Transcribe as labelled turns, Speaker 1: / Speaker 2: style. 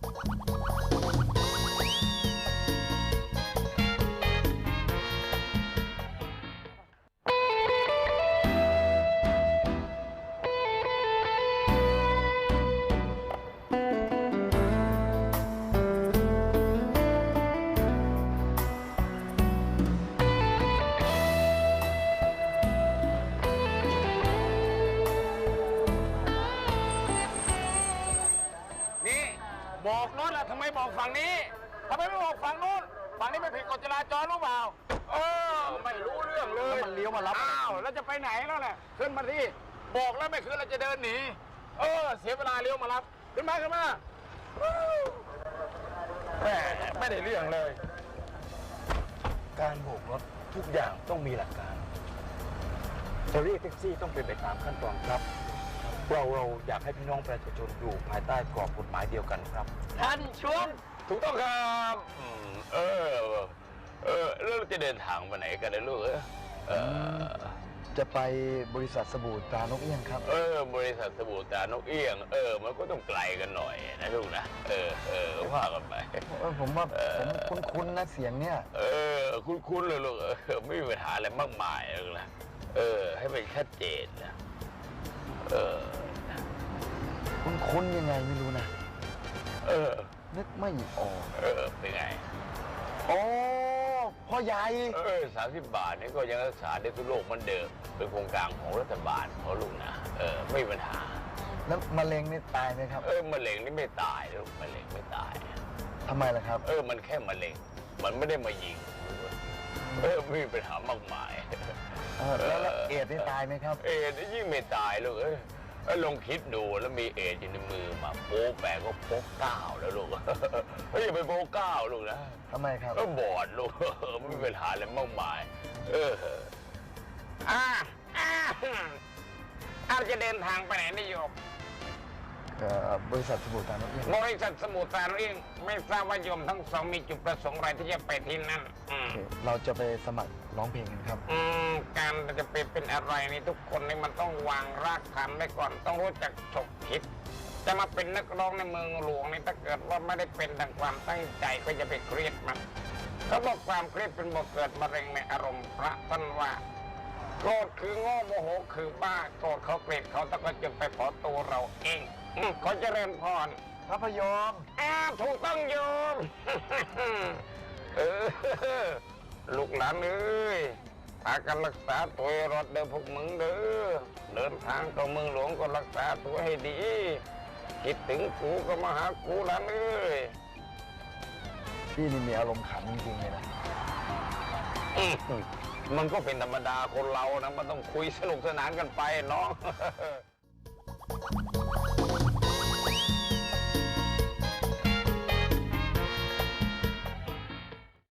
Speaker 1: บอกโน้นล่ะทำไมบอกฝั่งนี้ทำไมไม่บอกฝั่งโน้นฝั่งนี้ไม่ผิดกฎจราจรหรือเปล่าไม่รู้เรื่องเลยมันเลี้ยวมารับอ้าวแล้วจะไปไหนแล้วแหละขึ้นมาที่บอกแล้วไม่ขึ้นเราจะเดินหนีเสียเวลาเลี้ยวมารับขึ้นมาแหมไม่ได้เรื่องเลยการโบกรถทุกอย่างต้องมีหลักการจะเรียกแท็กซี่ต้องเป็นไปตามขั้นตอนครับเราอยากให้พี่น้องประชาชนอยู่ภายใต้กรอบกฎหมายเดียวกันครับท่านชวนถูกต้องครับแล้วเราจะเดินทางไปไหนกันนะลูก
Speaker 2: จะไปบริษัทสบู่ตรานกเอี้ยงครับ
Speaker 1: บริษัทสบู่ตรานกเอี้ยงมันก็ต้องไกลกันหน่อยนะลูกนะว่ากันไป
Speaker 2: ผมว่าผมคุ้นๆนะเสียงเนี่ย
Speaker 1: คุ้นเลยลูกไม่มีปัญหาอะไรมากมายเลยนะให้เป็นชัดเจนนะ
Speaker 2: คุ้นยังไงไม่รู้นะนึกไม่ออก
Speaker 1: เป็นไง
Speaker 2: พ่อใหญ่
Speaker 1: 30 บาทนี่ก็ยังรักษาได้ทุกโรคเหมือนเดิมเป็นโครงการของรัฐบาลเขาลูกนะไม่มีปัญหา
Speaker 2: แล้วมะเร็งนี่ตายไหมครับ
Speaker 1: มะเร็งนี่ไม่ตายลูกมะเร็งไม่ตาย
Speaker 2: ทำไมล่ะครับ
Speaker 1: มันแค่มะเร็งมันไม่ได้มายิงไม่มีปัญหามากมาย
Speaker 2: แล้วเอดส์นี่ตายไหมครับ
Speaker 1: เอดส์ยิ่งไม่ตายลูกลองคิดดูแล้วมีเอดส์อยู่ในมือมาโป๊แปะก็โป๊9แล้วลูกอย่าไปโป๊9ลูกนะ
Speaker 2: ทำไมครับ
Speaker 1: บอดลูกไม่มีปัญหาอะไรมากมายจะเดินทางไปไหนนิยม
Speaker 2: บริษัทสมุทรสาคร
Speaker 1: บริษัทสมุทรสาครไม่ทราบว่าโยมทั้งสองมีจุดประสงค์อะไรที่จะไปที่นั่น
Speaker 2: เราจะไปสมัครร้องเพลงกันครับ
Speaker 1: การจะเป็นอะไรนี่ทุกคนนี่มันต้องวางรากฐานไว้ก่อนต้องรู้จักฉกคิดจะมาเป็นนักร้องในเมืองหลวงนี่ถ้าเกิดว่าไม่ได้เป็นดังความตั้งใจก็จะไปเครียดมันเขาบอกความเครียดเป็นบ่อเกิดมะเร็งในอารมณ์พระท่านว่าโกรธคือโง่โมโหคือบ้าโกรธเขาเกลียดเขาแต่ก็จึงไปขอตัวเราเองขอเจริญพร
Speaker 2: พระพยอม
Speaker 1: ถูกต้องโยมลูกหลานเอ้ยพากันรักษาตัวรอดเดินพวกมึงเด้อเดินทางเข้าเมืองหลวงก็รักษาตัวให้ดีคิดถึงกูก็มาหากูหลานเอ้ย
Speaker 2: พี่นี่มีอารมณ์ขันจริงๆเลยนะ
Speaker 1: มันก็เป็นธรรมดาคนเรานะมันต้องคุยสนุกสนานกันไปเนาะ